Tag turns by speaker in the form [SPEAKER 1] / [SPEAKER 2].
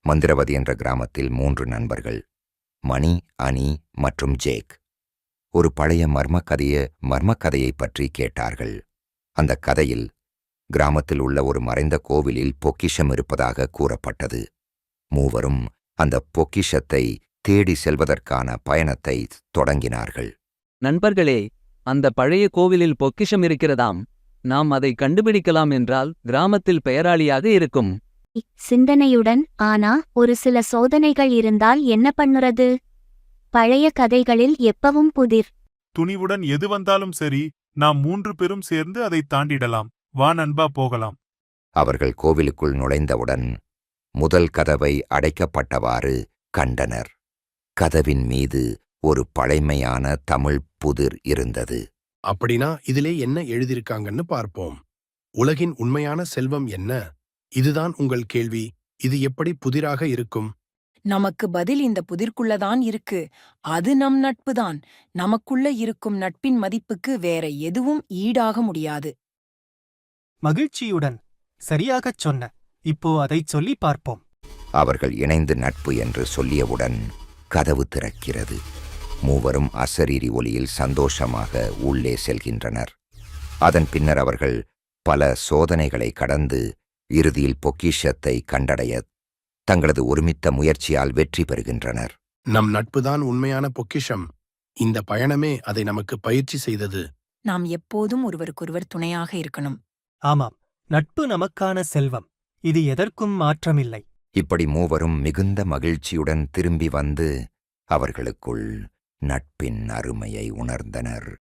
[SPEAKER 1] மந்திரவதி என்ற கிராமத்தில் 3 நண்பர்கள், மணி, அனி மற்றும் ஜேக், ஒரு பழைய மர்மக்கதையைப் பற்றி கேட்டார்கள். அந்த கதையில் கிராமத்தில் உள்ள ஒரு மறைந்த கோவிலில் பொக்கிஷம் இருப்பதாக கூறப்பட்டது. மூவரும் அந்த பொக்கிஷத்தை தேடி செல்வதற்கான பயணத்தை தொடங்கினார்கள்.
[SPEAKER 2] நண்பர்களே, அந்த பழைய கோவிலில் பொக்கிஷம் இருக்கிறதாம். நாம் அதை கண்டுபிடிக்கலாம் என்றால் கிராமத்தில் பெயராளியாக இருக்கும்.
[SPEAKER 3] சிந்தனையுடன், ஆனா ஒரு சில சோதனைகள் இருந்தால் என்ன பண்ணுறது? பழைய கதைகளில் எப்பவும் புதிர்.
[SPEAKER 4] துணிவுடன் எது வந்தாலும் சரி, நாம் 3 பேரும் சேர்ந்து அதை தாண்டிடலாம். வா நண்பா, போகலாம்.
[SPEAKER 1] அவர்கள் கோவிலுக்குள் நுழைந்தவுடன் முதல் கதவை அடைக்கப்பட்டவாறு கண்டனர். கதவின் மீது ஒரு பழைமையான தமிழ் புதிர் இருந்தது.
[SPEAKER 5] அப்படின்னா இதிலே என்ன எழுதியிருக்காங்கன்னு பார்ப்போம். உலகின் உண்மையான செல்வம் என்ன? இதுதான் உங்கள் கேள்வி. இது எப்படி புதிராக இருக்கும்?
[SPEAKER 6] நமக்கு பதில் இந்த புதிர்க்குள்ளதான் இருக்கு. அது நம் நட்புதான். நமக்குள்ள இருக்கும் நட்பின் மதிப்புக்கு வேற எதுவும் ஈடாக முடியாது.
[SPEAKER 7] மகிழ்ச்சியுடன், சரியாகச் சொன்ன. இப்போ அதைச் சொல்லி பார்ப்போம்.
[SPEAKER 1] அவர்கள் இணைந்து நட்பு என்று சொல்லியவுடன் கதவு திறக்கிறது. மூவரும் அசரீரி ஒலியில் சந்தோஷமாக உள்ளே செல்கின்றனர். அதன் பின்னர் அவர்கள் பல சோதனைகளை கடந்து இறுதியில் பொக்கிஷத்தை கண்டடைய தங்களது ஒருமித்த முயற்சியால் வெற்றி பெறுகின்றனர்.
[SPEAKER 5] நம் நட்புதான் உண்மையான பொக்கிஷம். இந்த பயணமே அதை நமக்கு பயிற்சி செய்தது.
[SPEAKER 6] நாம் எப்போதும் ஒருவருக்கொருவர் துணையாக இருக்கணும்.
[SPEAKER 7] ஆமாம், நட்பு நமக்கான செல்வம். இது எதற்கும் மாற்றமில்லை.
[SPEAKER 1] இப்படி மூவரும் மிகுந்த மகிழ்ச்சியுடன் திரும்பி வந்து அவர்களுக்குள் நட்பின் அருமையை உணர்ந்தனர்.